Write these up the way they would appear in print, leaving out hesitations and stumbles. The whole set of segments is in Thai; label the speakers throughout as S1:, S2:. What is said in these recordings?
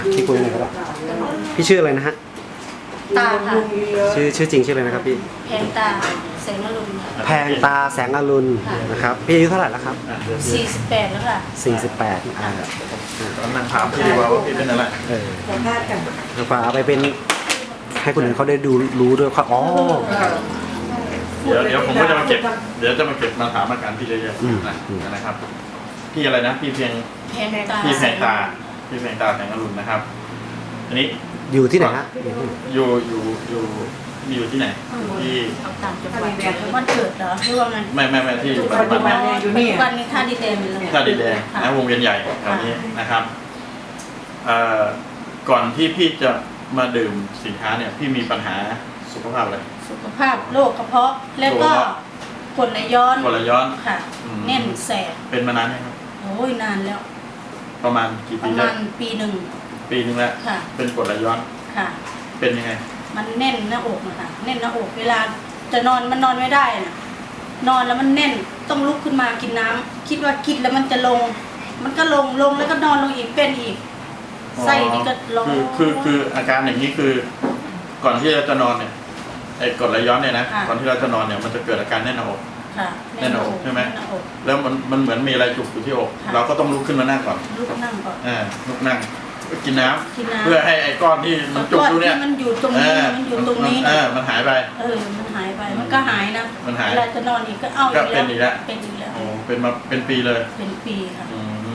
S1: พี่คุยหน่อยก็ได้พี่ชื่ออะไรนะฮะ
S2: ตาค่ะ
S1: ชื่อจริงชื่ออะไรนะครับพี่
S2: แพงตาแสงอรุณ
S1: แพงตาแสงอรุณนะครับพี่อายุเท่าไหร่แล้วครับ
S2: 48แล้วค่ะ
S1: 48
S3: ตอนนั่งถามพี่ว่าพี่เป็นอะไร
S1: สัมภาษณ์กันฝาไปเป็นให้คนอื่นเขาได้ดูรู้ด้วยครับอ๋อ
S3: เดี๋ยวผมก็จะมาเก็บมาถามอาการพี่เยอะๆนะครับพี่อะไรนะพี่เพียง
S2: แพงตา
S3: พี่แพงตาแสงอรุณนะครับอันนี้
S1: อยู่ที่ไหนฮะ
S3: อยู่ที่ไหนที่
S2: เอาต่างจังหวัดวันเกิดเหรอหรือว่าไง
S3: ไม่ที่อยู่ปัจจุบัน
S2: ปัจจุบันนี้ท่าดินแดงเลย
S3: ท่าดินแดงนะวงเวียนใหญ่แถวนี้นะครับก่อนที่พี่จะมาดื่มสินค้าเนี่ยพี่มีปัญหาสุขภาพอะไร
S2: สุขภาพโรคกระเพาะแล้วก็กรดไหลย้อน
S3: กรดไหลย้อน
S2: ค่ะแน่นแสบ
S3: เป็นมานานไหมครับ
S2: โอ้ยนานแล้ว
S3: ประมาณกี่
S2: ป
S3: ปี
S2: ระ
S3: แล้
S2: มาว ณปีหนึ่ง
S3: ปีนึงแล้ว
S2: ค่ะ
S3: เป็นกรดไหลย้อน
S2: ค่ะ
S3: เป็นยังไง
S2: มันแน่นหน้าอกนะคะแน่นหน้าอกเวลาจะนอนมันนอนไม่ได้น่ะนอนแล้วมันแน่นต้องลุกขึ้นมากินน้ำคิดว่ากินแล้วมันจะลง มันก็ลงแล้วก็นอนลงอีกเป็นอีกไส้นี่ก็ลง
S3: คืออาการอย่างนี้คือ ก่อนที่เราจะนอนเนี่ยไอ้กรดไหลย้อนเนี่ยนะก่อนที่เราจะนอนเนี่ยมันจะเกิดอาการแน่นหน้าอก
S2: ค่ะ
S3: แน่นหน้าอกใช่ไหม
S2: แน่นน้าอก
S3: แล้วมันเหมือนมีอะไรจุกอยู่ที่อก
S2: ค่ะ
S3: เราก็ต้องลุกขึ้นมานั่งก่อน
S2: ลุกนั่งก่อน
S3: ลุกนั่งกินน้ำ
S2: กินน้ำ
S3: เพื่อให้ไอ้ก้อนที่มันจุกอยู่เนี่ย
S2: ก้อนที่มันอยู่ตรงนี้มันอยู่ตรงนี้
S3: มันหายไป
S2: มันหายไปมันก็หายนะ
S3: มันหาย
S2: เวลาจะนอนอีกก็เอา
S3: ก็เป็นอีกแล้ว
S2: เป็นอีกแล้ว
S3: โอ้เป็นมาเป็นปีเลย
S2: เป็นปีค่ะ
S3: อืม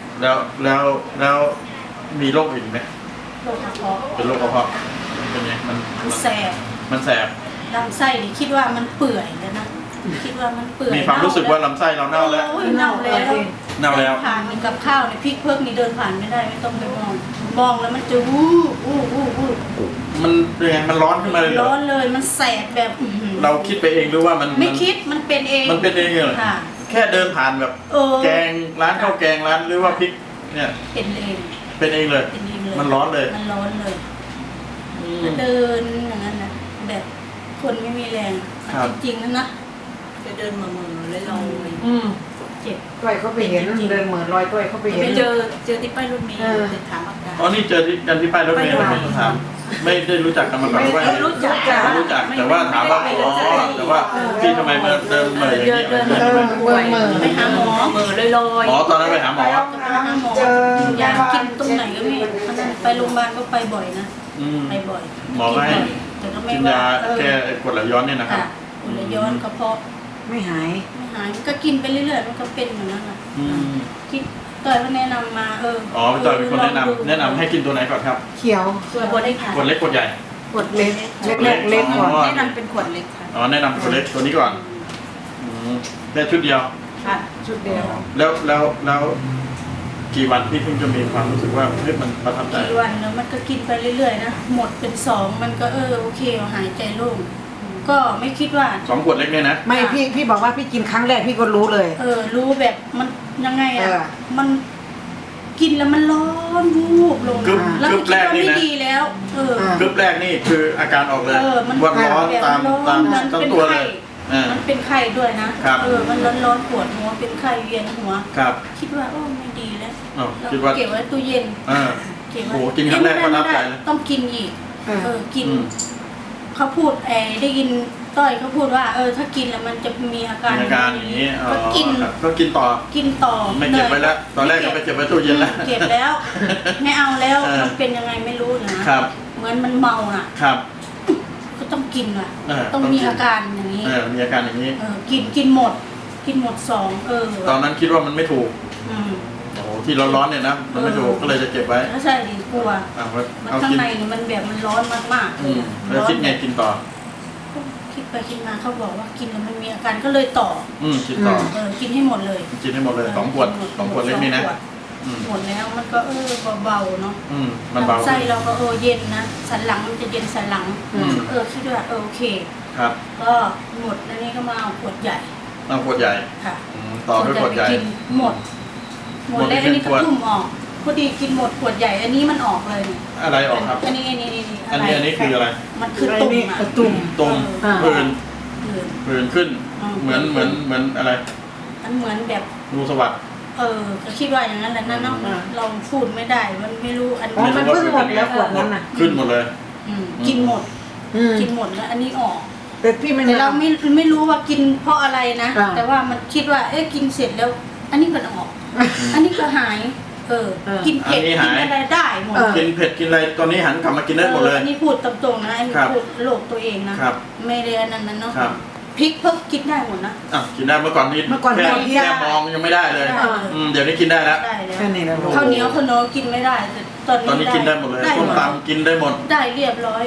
S3: แล้วมีโรคอื่นไหม
S2: โรคกระเพาะ
S3: เป็นโรคกระเพาะเป็นไงมัน
S2: แสบ
S3: มันแสบ
S2: ลำไส้นี่คิดว่ามันเปื่อยแล้วนะคิดว่ามันเปื่อย
S3: มีความรู้สึกว่าลำไส้เราเน่าแล้ว
S2: โอ้ยเน่าแล้ว
S3: เน่าแล้ว
S2: ผ่านนี่กับข้าวเนี่ยพริกเพิกนี่เดินผ่านไม่ได้ไม่ต้องไปมองแล้วมันจะวู้
S3: มันเป็นไงมันร้อนขึ้นมาเลยเหร
S2: ร้
S3: อ
S2: อนเลยมันแสบแบบอื้อหือ
S3: เราคิดไปเองหรือว่ามัน
S2: ไม่คิดมันเป็นเอง
S3: มันเป็นเองเหรอ
S2: ค่ะ
S3: แค่เดินผ่านแบบ แกงร้านข้าวแกงร้านหรือว่าพริกเนี่ย
S2: เป็นเอง
S3: เป็นเองเลย
S2: เป็นเองเลย
S3: มันร้อนเลย
S2: มันร้อนเลยเดินอย่างนั้นนะแบบคนไม่มีแรงจริงๆนะจะเดินมาเมือเลยลอยเจ็บ
S4: ต้อยเขาไปเห็นเดินเหมือนรอยต้อยเขาไปเห็น
S2: เจอที่ป้ายรถเมล์จะถามอาการ
S3: อ๋อนี่เจอกันที่ป้ายรถเมล์ไม่ต้องถามไม่ได้รู้จักกันมาก่อนว่า
S2: ไม่รู้จัก
S3: รู้จักแต่ว่าถามว่าอ๋อแต่ว่าพี่ทำไมมาเดินเหม่ออย่างนี้
S2: ไปหาหมอเหม่อลอย
S3: อ๋อตอนนั้นไปหาหมอ
S2: ไปหาหมอยากินตรงไหนก็ไม่ไปโรงพยาบาลก็ไปบ่อยนะไปบ่อย
S3: หมอให้
S2: แต่ก็ไม่
S3: กิน
S2: ว่าย
S3: าแก้กรดไหลย้อนเนี่ยนะครับ
S2: กรดไหลย้อนกระเพาะ
S4: ไม่หาย
S2: ไม่หายก็กินไปเรื่อยๆมันก็เป็นอย่างนั้นแหละ
S3: อืม
S2: คิดต่อยเขาแนะนำมา
S3: อ๋อพี่ต่อยเป็นคนแนะนำให้กินตัวไหนก่อนครับ
S4: เขียว
S2: ตัวบดได้ค่ะ
S3: ขวดเล็กขวดใหญ่
S4: ขวดเล็กเล็กก่อน
S2: แนะนำเป็นขวดเล็กค่ะ
S3: อ๋อแนะนำขวดเล็กตัวนี้ก่อนได้ชุดเดียว
S2: ค่ะ
S4: ชุดเดียว
S3: แล้วกี่วันที่เพิ่งจะมีความรู้สึกว่าเฮ้ยมันประทับใจ
S2: กี่วันแล้วมันก็กินไปเรื่อยๆนะหมดเป็น2มันก็โอเคหายใจโล่งก็ไม่คิดว่า
S3: 2 ขวดเล็กเนี่ยนะ
S4: ไม่พี่บอกว่าพี่กินครั้งแรกพี่ก็รู้เลย
S2: รู้แบบมันยังไง
S4: เออ
S2: มันกินแล้วมันร้อนวูบลง
S3: กึ๊บ
S2: แล้ว
S3: กึ๊
S2: คิ
S3: บ
S2: ด
S3: แรก
S2: ว่า
S3: นี่
S2: ไม่
S3: นะ
S2: ดีแล้ว
S3: กึ๊บแรกนี่คืออาการออกเลย
S2: มัน
S3: วันร้อน
S2: แบบ
S3: ตาม
S2: ร้อนมัน
S3: ทั้ง
S2: เป็น
S3: ตัวเล
S2: ไข้
S3: ย
S2: มันเป็นไข้ด้วยนะครับ มันร้อนๆปวดหัวเป็นไข้เวียนหัว
S3: ครับ
S2: คิดว่าไม่ดีแล้ว
S3: อ๋อ
S2: เรา
S3: คิดว่า
S2: เก็บไว้ตู้เย็น เก็บไว้
S3: โอ้โหกินครั้งแรกก็นับใจเลย
S2: ต้องกินอีก กิน
S3: อืม
S2: เขาพูดได้ยินต้อยเขาพูดว่าถ้ากินแล้วมันจะมีอาการ
S3: มีอาการอย่างนี้อ๋อ
S2: ก็กิน
S3: ครับก็กินต่อ
S2: กินต่อ
S3: ไม่เก็บไว้แล้ว ตอนแรกก็ไปเก็บไว้ตู้เย็นแล้ว
S2: เก็บแล้ว ไม่เอาแล้ว
S3: เออ
S2: มันเป็นยังไงไม่รู้นะครับ เหมือนมันเมาน่ะ
S3: ครับ
S2: ก็ต้องกินอ่ะ
S3: ต้อง
S2: มี
S3: กิน
S2: อาการอย่างนี้
S3: มีอาการอย่างนี้
S2: กินหมด กินหมด2
S3: ตอนนั้นคิดว่ามันไม่ถูก
S2: อืม
S3: โอ้โหที่ร้อนๆเนี่ยนะมันไม่ถูกก็เลยจะเก็บไว้
S2: ถ้าใช่ดิกลัว
S3: เอา
S2: มัน
S3: เอา
S2: ข้าง
S3: กิน
S2: ในนี่มันแบบมันร้อนมากๆเลยอะ
S3: แล้วคิดไงกินต่อ
S2: คิดไปคิดมาเขาบอกว่ากินแล้วมันมีอาการก็เลยต่อ
S3: กินต่อ
S2: กินให้หมดเลย
S3: กินให้หมดเลย2 ขวด2 ขวดเล็กนี่นะ
S2: หมดแล้วมันก็เบาๆเนาะ
S3: มันเบา
S2: ลำไส้เราก็เย็นนะสันหลังมันจะเย็นสันหลัง คิดว่าโอเค
S3: ครับ
S2: ก็หมดแล้วนี่ก็มาเอาขวดใหญ่
S3: เอาขวดใหญ่
S2: ค่ะ
S3: ต่อด้วยขวดใหญ่
S2: ไปกินหมดแล้วอันนี้ก็ทุ่มออกพอดีกินหมดขวดใหญ่ อันนี้มันออกเลยเนี่ย
S3: อะไรออกครับ
S2: อันนี้
S3: อันนี้คืออะไร
S2: มันคือตุ่มอะ
S4: ตุ่ม
S3: ตุ่ม
S4: อ่า
S3: ผื่นขึ้น เหมือนอะไร
S2: มันเหมือนแบบ
S3: รูสวัสด
S2: ก็คิดว่าอย่างนั้นแหละนะเนาะเราพูดไม่ได้มันไม่รู้อัน
S4: อ๋อมันเพิ่งหมดแล้วขวดนั้นน่ะ
S3: ขึ้นหมดเลย
S2: กินหมด
S4: อืม
S2: กินหมดแล้วอันนี้ออก
S4: แต่พี่ไม่
S2: แต่
S4: ได้
S2: เราไม่รู้ว่ากินเพราะอะไรนะ
S4: อ่า
S2: แต่ว่ามันคิดว่ากินเสร็จแล้ว อันนี้ก็ออก อันนี้ก็หาย กินเผ็ด
S3: อันนี้
S2: กิ
S3: หาย
S2: นอะไรได้หมด
S3: กินเผ็ดกินอะไรตอนนี้หันกลับมากินได้หมดเลย
S2: อันนี้พูดตรงๆนะอันนี้
S3: ครับ
S2: พูดโลกตัวเองนะครับ ไม่ได้อันนั้นเนาะ
S3: ครับ
S2: พริกเพิ่งกินได้หมดนะ
S3: กินได้เมื่อก่อนนี้
S4: เมื่อก่อน
S3: แค่
S4: ไม่ได้
S3: แค่มองยังไม่ได้เลย
S2: ได้
S3: เดี๋ยวนี้กินได้แล้ว
S2: ได้แล้ว
S4: แค่นี้แล้ว
S2: ข้าวเหนียวขนมกินไม่ได้แต่ตอนนี้
S3: กินได้หมดเลยส้มตำกินได้หมด
S2: ได้เรียบร้อย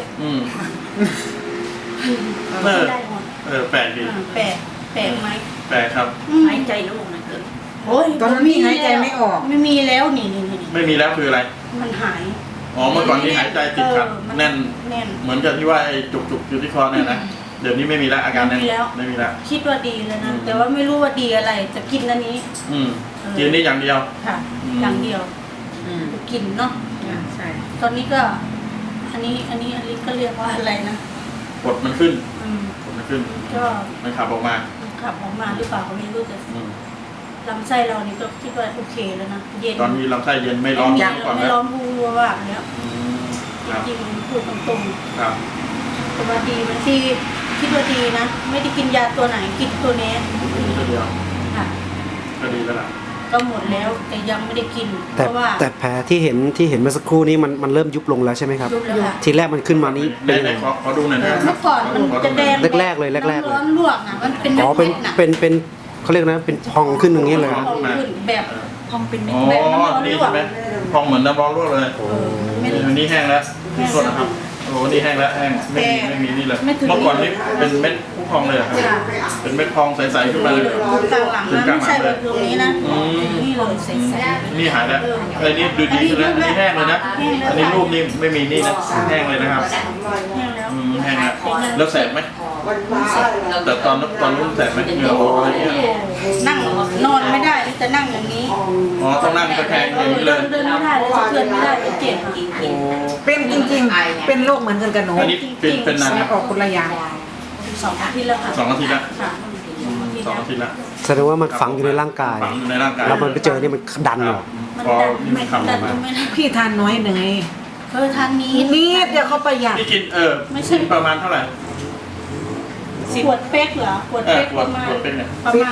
S2: ได้หมด
S3: แปลกดี
S2: แปลกแปลกไหม
S3: แปลกครับ
S2: หายใจโล่งนะโอ้ย
S4: ตอนนั้นพี่หายใจไม่ออก
S2: ไม่มีแล้วนี่
S3: ไม่มีแล้วคืออะไร
S2: มันหาย
S3: เมื่อก่อนนี้หายใจติดขัด
S2: มัน
S3: แน่น
S2: แน่น
S3: เหมือนกับที่ว่าไอ้จุกๆอยู่ที่คอเนี่ยนะ เดี๋ยวนี้ไม่มีแล้วอาการนั้น
S2: ไม่มีแล้ว
S3: ไม่มีแล้ว
S2: คิดว่าดีแล้วนะแต่ว่าไม่รู้ว่าดีอะไรจะกินอันนี้
S3: กินนี่อย่างเดียว
S2: ค่ะ
S3: อืม
S2: อย่างเดียว
S4: อืม
S2: กินเนาะ
S4: ใช่
S2: ตอนนี้ก็ อันนี้ก็เรียกว่าอะไรนะ
S3: กดมันขึ้น
S2: อืม
S3: กดมันขึ้น
S2: ก็
S3: มันขับออกมา
S2: ขับออกมาหรือเปล่าก็ไม่รู้แต่
S3: อืม
S2: ลำไส้เรานี่ก็คิดว่าโอเคแล้วนะเย็น
S3: ตอนนี้ลำไส้เย็นไม่ร้อน
S2: ไม่
S3: เมื่อก่อน
S2: ไม่
S3: แล้ว
S2: ร้อนพูว่าแล้ว
S3: ครับ
S2: จริงๆพูดตรง
S3: ครับ
S2: ๆแต่ว่าดีมันดีคิดว่าดีนะ ไม่ได้กินยาตัวไหนกินตัวนี้
S3: นี่ก็เดียว
S2: ค่ะ
S3: ก็ดีแล้วล่ะ
S2: ก็หมดแล้วแต่ยังไม่ได้กิน เพ
S1: แต่
S2: ราะว่า
S1: แต่แผลที่เห็นเมื่อสักครู่นี้มันเริ่มยุบลงแล้วใช่ไหมครับ
S2: ยุบแล้วค่ะ
S1: ทีแรกมันขึ้นมานี้เป็นยัง
S3: ไหน
S1: ไง
S3: ขอดูหน่อยนะ
S2: เมื่อก่อนมันจะแดง
S1: แรกๆเลยแรกๆเลย
S2: ร้อนลวกอ่ะมันเป็น
S1: อ๋อ
S2: เม็ดๆน่ะ
S1: เป็นเขาเรียกนะเป็นพองขึ้นอย่างนี้เลย
S2: พ
S1: ครับ
S2: องขึ้นแบบ
S5: พองเป็นเม็ด
S3: อ๋อ
S2: แบบน้ำร้อน
S3: นี่
S2: ลว
S3: ใช่
S2: ก
S3: ไหมพองเหมือนน้ำร้อนลวกเลย
S2: ไม่
S3: นี่แห้งแล้วโทษนะครับโอ้นี่แห้งแล้วแห้งไม่มีนี่เลย
S2: ไม่ถึง
S3: เมื่อก่อนนี่เป็นเม็ดพองเลยเหรอครับ
S2: ค่ะ
S3: เป็นเม็ดพองใสๆขึ้นมาเลยเหรอ
S2: กลางหลังนะไม่ใช่แบบตรงนี้นะนี่เลยใส
S3: นี่หายแล้วไอ้นี่ดูดีขึ้นแล้วอันนี้แห้งเลยนะ อันนี้รูปนี่ไม่มีนี่นะแห้งเลยนะครับ
S2: ๆแห้งแล้ว
S3: แห้งแล้วแล้วแสบไหมแต่ตอนนู้นแสบไหมเหงื่อออกอะไรเงี้ย
S2: นั่งนอนไม่ได้จะนั่งอย่างนี้
S3: อ๋อต้องนั่งตะแคงอย่างนี้เลย
S2: เดินไม่ได้เลยสะเทือนไม่ได้เลยเจ็บอะ
S3: โอ้
S4: เป็นจริงๆ เป็นโรคเหมือนกันกับหนู
S3: อันนี้เป็นนาน
S4: แล้
S3: นะ
S4: วออกคนละอย่าง
S2: 2 อาทิตย์แล้วค่ะ
S3: 2 อาทิตย์แล้ว
S2: ค่ะ
S3: 2 อาทิตย์แล้ว
S1: แสดงว่ามันฝังอยู่ในร่างกาย
S3: ฝังอยู่ในร่างกาย
S1: แล้วมันไปเจอเนี่ยมันดันออก
S2: มัน
S3: พอ
S2: ดัน
S3: นี่
S2: ไม่
S3: มันขับอ
S2: ดั
S3: อน กมา
S2: ไม่ได้
S4: พี่ทานน้อยหนึ่งไง
S2: ทานนี้
S4: นิดเดียวเขาประหยัด
S3: พี่กิน
S2: ไม่ใช่
S3: กินประมาณเท่าไหร่
S2: ขวดเป๊กเหรอขวดเป๊ก
S3: ข
S2: ป
S3: วด
S2: ระมาณ
S3: ขวดเป๊กเนี่ย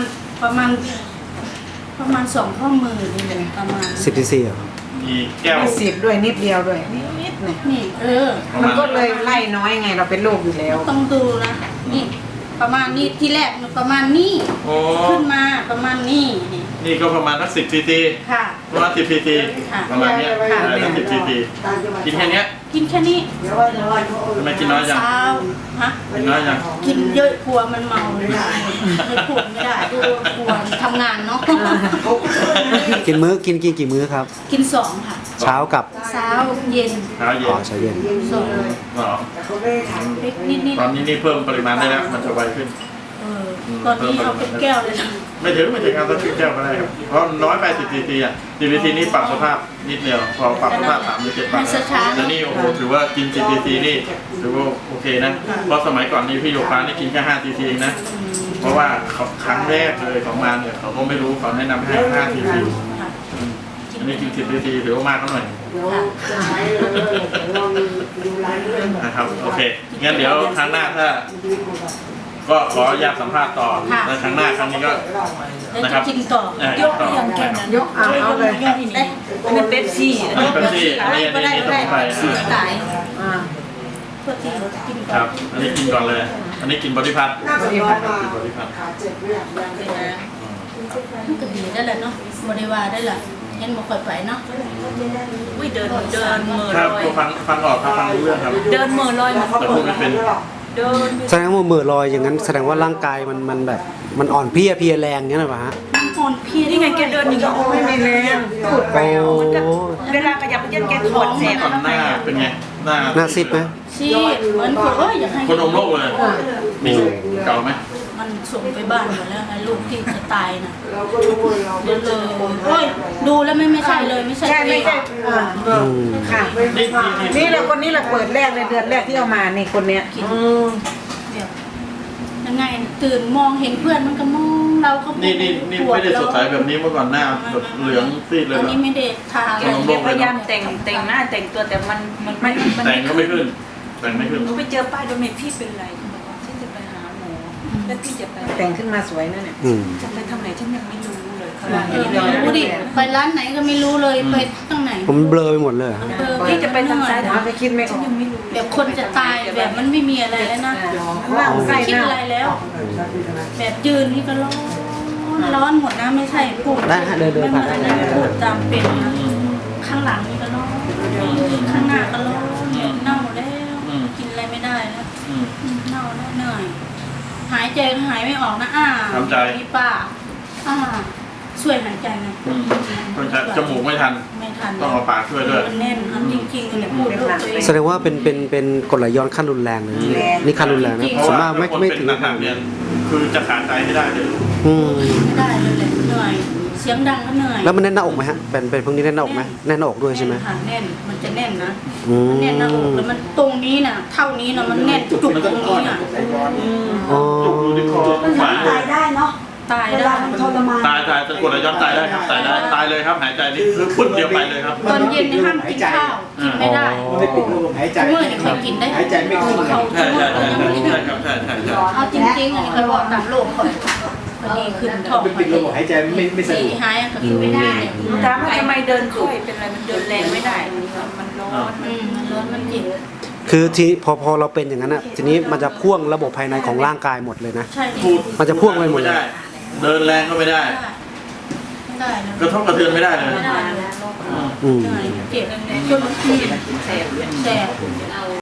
S2: ประมาณ2 ข้อมือนี่เลยประมาณ
S1: 10 cc อ่ะ
S3: มีแก้ว
S4: ไม่สิบด้วยนิดเดียวด้วยนิดเนี่ย
S2: นี่
S3: ประ
S4: มัน
S3: มาณ
S4: ก็เลยไล่น้อยไงเราเป็นโรคอยู่แล้ว
S2: ต้องดูนะนี่ประมาณนี้ที่แรกมันประมาณนี้
S3: โอ้
S2: ขึ้นมาประมาณนี้นี่
S3: นี่ก็ประมาณสัก10 cc
S2: ค่ะ
S3: ประมาณ10 cc
S2: ค่ะ
S3: ประมาณเนี้ย
S2: ค่ะ
S3: สัก10 cc กินแค่เนี้ย
S2: กินแค่นี้
S3: ทำไมกินน้อยจัง
S2: เช้าฮะ
S3: กินน้อยจัง
S2: กินเยอะกลัวมันเมาไม่ได้ไม่พูดไม่ได้กลัวทำงานเนาะ
S1: กินกินกี่มื้อครับ
S2: กิน2 ค่ะ
S1: เช้ากับ
S2: เช้าเย็น
S3: เช้าเย็
S1: อ๋อน เช้าเย็น
S2: 2
S3: อ๋อ
S2: เล็กนิด
S3: ตอนนี้นี่เพิ่มปริมาณได้แล้วมันจะไวขึ้น
S2: ตอนนี้เอาเป็นแก้วเลยนะ
S3: ไม่ถึงครับสักแก้วก็ได้ครับเพราะน้อยไป10 cc อ่ะ10 cc นี่ปรับสภาพนิดเดียวพอปรับสภาพ3 หรือ 7 ปรับแต่นี่โอ้โหถือว่ากิน10 cc นี่ถือว่าโอเคนะเพราะสมัยก่อนนี่พี่โยกฟ้านี่กินแค่5 cc เองนะเพราะว่าเขาครั้งแรกเลยของมาเนี่ยเขาก็ไม่รู้เขาแนะนำให้5 cc
S2: ค่ะ
S3: อันนี้กิน10 cc ถือว่ามากเขาหน่อยนะครับโอเคงั้นเดี๋ยวครั้งหน้าถ้าก็ขออนุญาตสัมภาษณ์ต่อในครั้งหน้าครั้งนี้ก็
S2: แล้ว
S3: นะค
S2: จะ
S3: รับ
S2: กินต่อย
S3: กต่อนะครับ
S4: ยกเอาเลย
S2: ยกได้
S5: อันนี้เป๊ปซี่
S3: อันนี้เป๊ปซี่อันนี้
S2: ก็ได้
S3: ส
S2: ก็
S3: มุ
S2: ได้
S3: นไพร
S2: เสียตาย
S4: อ่า
S2: เพื่อที่กิน
S3: ค
S2: ก่อ
S3: รั
S2: น
S3: บ อันนี้กินก่อนเลย อันนี้กินบริพัตร
S4: บริพัตร
S3: กินบริพัตร
S2: มันก็ดีได้แหละเนาะบริวารได้แหละเห็นบ่ค่อยไปเนาะ
S5: อุ้ยเดินเหม่อ
S3: ครับ
S5: ลอย
S3: ก็ฟังออกครับฟังรู้เรื่องครับ
S5: เดินเหม่อลอยมา
S3: แต่พูดไม่เป็น
S5: เดิน
S1: แสดงว่าเหม่อลอยอย่างนั้นแสดงว่าร่างกายมันแบบมันอ่อนเพลียแรงเงี้ยหรือเปล่าฮะ
S2: อ่อนเพลีย
S5: นี่ไงแกเดินอย่างนี้
S4: ไม่มีแรงพูดไป
S1: โอ้
S4: เอา
S5: เวลาขยับไปเย็นแกถอดแสบ
S3: ก่อนหน้าเป็นไง หน้า
S1: หน้าซีดไหม
S2: ชีเหมือนคนอยากให้
S3: คนอมโลกเลย มีลูกเก่าไหม
S2: มันส่งไปบ้านหมดแล้วไอ้ลูกที่จะตายน่ะเดี๋ยวเลยโอ้ยดูแล้วไม่ใช่เลยไม่ใช่
S4: ใช่ไม่ใช่อ่า
S1: อืม
S4: ค่ะ นี่แหละคนนี้แหละเปิดแรกเลยเดือนแรกที่เอามานี่คนเนี้ย
S2: กินแบบยังไงตื่นมองเห็นเพื่อนมันก็มองเราเขา
S3: นี่ไม่ได้สดใสแบบนี้เมื่อก่อนหน้าแบบเหลืองซีดเลย
S2: อัน
S3: เหรอ
S2: นี้ไม่ได้ทา
S3: ขนม
S5: แกพยายามแต่งหน้าแต่งตัวแต่มันไม่
S3: แต่งก็ไม่ขึ้น แต่งไม่ขึ้น
S5: หนูไปเจอป้ายโดเมทพี่เป็นไรเขาบอกว่าฉันจะไปหาหมอแล้วพี่จะไป
S4: แต่งขึ้นมาสวยนะเนี่ย
S1: อืม
S5: จะไปทำไหนฉันยังไม่รู้เลยเขาว่า
S2: รู้ดิไปร้านไหนก็ไม่รู้เลยไปตั้งไหน
S1: ผมเบลอไปหมดเลยอะ
S5: พี่จะไปทางซ้าย
S4: หาไปคิดไม่อ
S5: ฉั
S4: อน ก
S5: ยังไม่รู้
S2: แบบคนจะตายแบบมันไม่มีอะไรแล้วนะ
S4: ล่างไส้
S2: ไม่คิด
S4: หน้า
S2: อะไรแล้ว แบบยืนนี่ก็ร้อนหมดนะไม่ใช่พูด
S1: ได้ฮะเดิน
S2: ไม่เห
S1: ผ่า
S2: มื
S1: น
S2: อน
S1: ได้
S2: อะไรพูดจำเป็นนะข้างหลังนี่ก็ร้อนข้างหน้าก็ร้อนแบบเน่าแล้วกินอะไรไม่ได้แล้ว
S3: อืม
S2: เน่าแล้วเหนื่อยหายใจก็หายไม่ออกนะ
S3: ทำใจ
S2: นี่ป้าช่วยหายใจหน่อย
S3: ต้องใช้จมูกไม่ทัน
S2: ไม่ทัน
S3: ต้องเอาปากช่วยด้วย
S2: มันแน่นจริงๆเลยพูดลูกตัวเอง
S1: แสดงว่าเป็นกรดไหลย้อนขั้นรุนแรงเลยนี่ขั้นรุนแรงนะ
S3: เพราะ
S1: ส่วน
S3: ว่าม
S1: ากไม่
S3: คน
S1: ไม่
S3: เป็น
S1: ถึง
S3: หนักๆเนี่ยคือจะขาดใจไม่ได้เลย
S1: อืม
S2: ไม่ได้เลยแหละเหนื่อยเสียงดังก็เหนื่อย
S1: แล้วมันแน่นหน้าอกไหมฮะเป็นพวกนี้แน่นหน้าอกไหมแน่นหน้าอกด้วยใช่ไหม
S2: แน่นค่ะแน่นมันจะแน่นนะ
S1: อืม
S2: มันแน่นหน้าอกแล้วมันตรงนี้น่ะเท่านี้น่ะมันแน่นจุกตรงนี้น่ะ
S1: อ๋อ
S3: จุกอยู่ที่คอหมาย
S6: ตายได้เนาะ
S2: ตาย
S6: เว
S2: ได้
S6: ลามันทรมาน
S3: ตายจะกดไหลย้อนตายได้ครับตายได้ตายเลยครับหายใจนี่คือปุ๊บเดียวไปเลยครับ
S2: ตอนเย็นนี่ห้ามกินข้าวกินไม่ได้
S7: ไม่ปิดลมหายใจ
S2: เมื่อนี่เคยกินได้
S7: หายใจไม่ขึ้นเลย
S2: เขา
S3: ใช่ใช่ใช่ใช่ครับใช่ใช่ใช่
S2: เอาจริงๆอันนี้เคยบอกตามโลกก่อนพอดีขึ้นท้อง
S7: ไม่ปิดลมหายใจไม่สะ
S2: สี
S7: ดวก
S2: หายก็คือไม่ได้
S5: ถามว่าทำไมเดินค่อยเป็นไรมันเดินแรงไม่ได้มันร้อน
S2: มันร้อนมันเจ็บ
S1: คือทีพอเราเป็นอย่างนั้นอ่ะทีนี้มันจะพ่วงระบบภายในของร่างกายหมดเลยนะ
S2: ใช่
S3: พูด
S1: มันจะพ่วงไปหมดเลย
S3: ด้เดินแรงก็ไม่ได้
S2: ไม่ได้เลย
S3: กระทบกระเทือนไม่ได้เลย
S2: ไม่ได้เลย
S1: อืม
S2: เหนื่อยเจ็บจนบางที
S5: แสบ
S2: แสบ